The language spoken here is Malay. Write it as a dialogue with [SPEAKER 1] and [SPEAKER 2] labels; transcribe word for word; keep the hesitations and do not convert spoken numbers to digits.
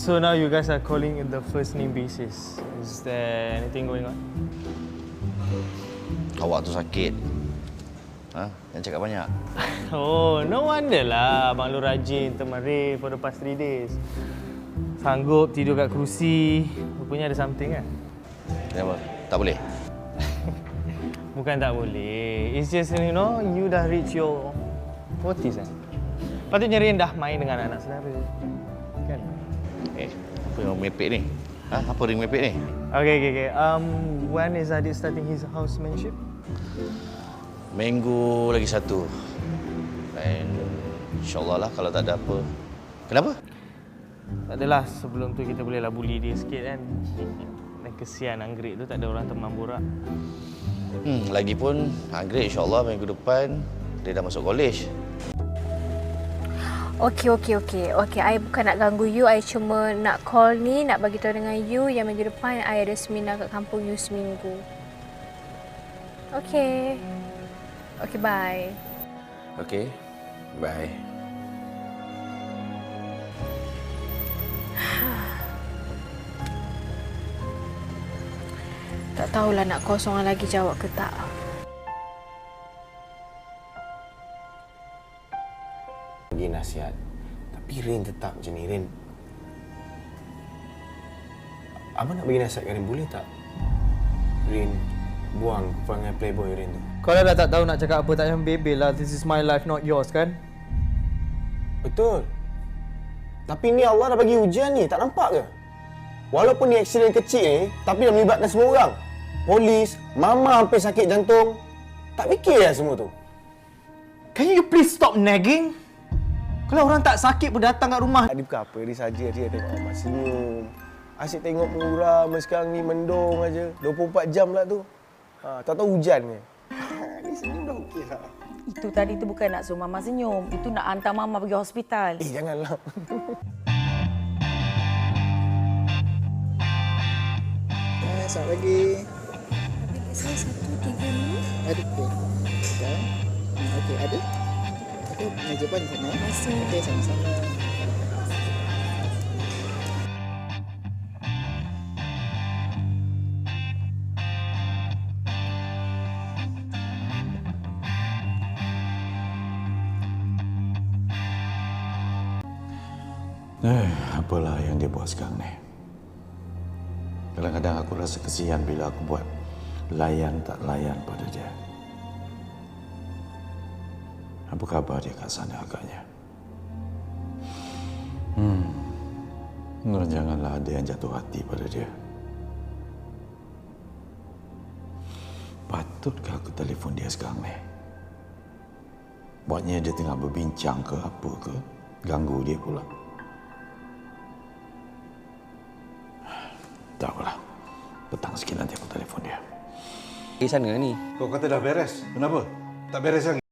[SPEAKER 1] So now you guys are calling in the first name basis. Is there anything going on?
[SPEAKER 2] Awak tu sakit. Ha? Jangan cakap banyak.
[SPEAKER 1] Oh, no wonder lah Abang Lu rajin temari for the past three days. Sanggup tidur kat kerusi. Rupanya ada something kan?
[SPEAKER 2] Kenapa? Tak boleh?
[SPEAKER 1] Bukan tak boleh. It's just, you know, you dah reach your forties kan? Patutnya Rin dah main dengan anak saudara. Kan?
[SPEAKER 2] Eh, apa yang mepek ni? Ha? Apa ring mepek ni?
[SPEAKER 1] Okay, okay, okay. Um, when is Adit starting his housemanship?
[SPEAKER 2] Minggu lagi satu. Dan insyaAllah lah kalau tak ada apa. Kenapa?
[SPEAKER 1] Tak adalah, sebelum tu kita bolehlah bully dia sikit kan. Dan kesian Anggrek tu tak ada orang teman borak.
[SPEAKER 2] Hmm, lagipun Anggrek insyaAllah minggu depan dia dah masuk college.
[SPEAKER 3] Okey, okey, okey. Okey, I bukan nak ganggu you. I cuma nak call ni, nak bagi tahu dengan you yang minggu depan I ada seminar kat kampung you seminggu. Okey. Okey, bye.
[SPEAKER 2] Okey, bye.
[SPEAKER 3] Tak tahulah nak call seorang lagi jawab ke tak.
[SPEAKER 4] Bagi nasihat. Tapi Rin tetap macam ni, Rin. Abang nak bagi nasihat kat Rin, boleh tak? Rin, buang perangai playboy Rin tu.
[SPEAKER 1] Kalau dah tak tahu nak cakap apa, tak payah bebel lah. This is my life, not yours kan?
[SPEAKER 4] Betul. Tapi ni Allah dah bagi ujian ni, tak nampak ke? Walaupun ni aksiden kecil ni, tapi dah melibatkan semua orang. Polis, mama hampir sakit jantung. Tak fikir lah semua tu.
[SPEAKER 1] Can you please stop nagging? Kalau orang tak sakit pun datang kat rumah.
[SPEAKER 4] Adik bukan apa, dia saja dia tengok Mama senyum. Asyik tengok muram sekarang ni mendung aja. dua puluh empat jam lah tu. Ha, tak tahu hujan ke. Dia senyum dah okey lah.
[SPEAKER 5] Itu tadi tu bukan nak suruh Mama senyum. Itu nak hantar Mama pergi hospital.
[SPEAKER 4] Eh, janganlah.
[SPEAKER 6] Eh, satu lagi. Saya satu, tiga, lima. Ada okey. Okey. Hmm, okey, ada. Okey, meja pun di sana. Terima kasih. Okey, sama-sama.
[SPEAKER 7] Eh, apalah yang dia buat sekarang ni. Kadang-kadang aku rasa kesian bila aku buat layan tak layan pada dia. Apa khabar dia kat sana agaknya? Hmm, nah, janganlah ada yang jatuh hati pada dia. Patutkah aku telefon dia sekarang ni? Buatnya dia tengah berbincang ke apa ke? Ganggu dia pula. Tak apalah. Petang sikit nanti aku telefon dia.
[SPEAKER 2] Di sana ni.
[SPEAKER 8] Kau kata dah beres. Kenapa? Tak beres lagi?